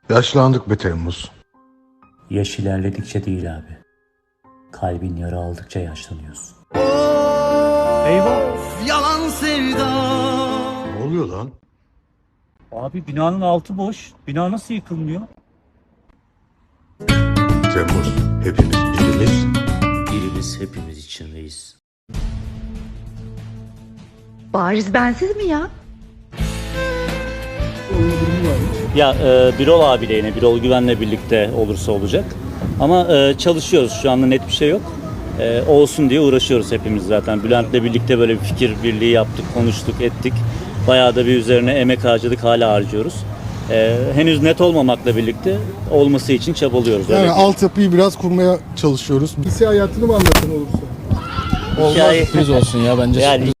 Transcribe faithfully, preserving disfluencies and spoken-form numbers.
Yaşlandık be Temmuz. Yaş ilerledikçe değil abi. Kalbin yara aldıkça yaşlanıyorsun. Eyvah! Yalan sevda. Ne oluyor lan? Abi binanın altı boş. Bina nasıl yıkılmıyor? Temmuz, hepimiz birimiz. Birimiz hepimiz için reis. Bariz bensiz mi ya? Ya e, Birol abiyle yine Birol Güven'le birlikte olursa olacak. Ama e, çalışıyoruz, şu anda net bir şey yok. E, olsun diye uğraşıyoruz hepimiz zaten. Bülent'le birlikte böyle bir fikir birliği yaptık, konuştuk, ettik. Bayağı da bir üzerine emek harcadık, hala harcıyoruz. E, henüz net olmamakla birlikte olması için çabalıyoruz. Yani öyle altyapıyı biraz kurmaya çalışıyoruz. Lise hayatını mı anlatın olursa? Hikaye- Sürpriz olsun ya bence. Yani